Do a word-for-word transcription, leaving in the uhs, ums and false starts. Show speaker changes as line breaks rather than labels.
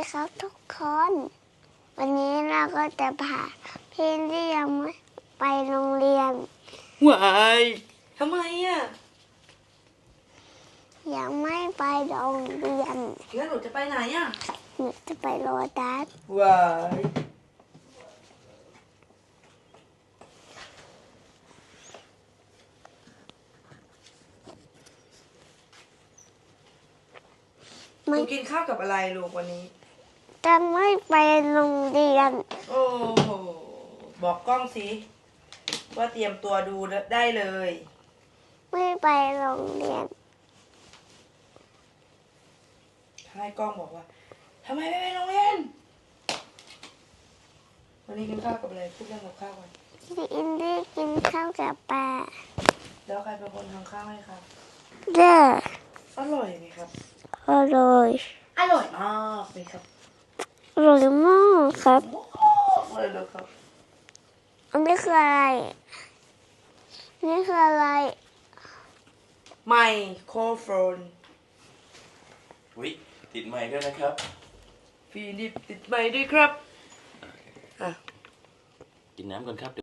ครับทุกคน วันนี้เราก็จะพาพี่ที่ยังไม่ไปโรงเรียน
วายทำไมอ่ะ
ยังไม่ไปโรงเรียน
แล้วหนูจะไปไหนอ่ะ
หนูจะไปโรตัส
วายหนูกินข้าวกับอะไรลูกวันนี้
จะไม่ไปโรงเรียน
โอ้โหบอกกล้องสิว่าเตรียมตัวดูได้เลย
ไม่ไปโรงเรียน
ให้กล้องบอกว่าทำไมไม่ไปโรงเรียนวันนี้กินข้าวกับอะไรพูดเรื่องกับข้าวกัน
พี่อินดี้กินข้าวกับปลา
แล้วใครเป็นคนทำข้าวให้ครับ
เด้อ
อร่อยไหมครับ
อร่อย
อร่อยมากเลยครับ
อร่อยมากครับ
อร่อยเลยครับ
อันนี้คืออะไร นี่คืออะไร
ไมโครโฟน
อุ๊ยติดไมค์ด้วยนะครับ
ฟีนิปติดไมค์ด้วยครับ
กินน้ำก่อนครับ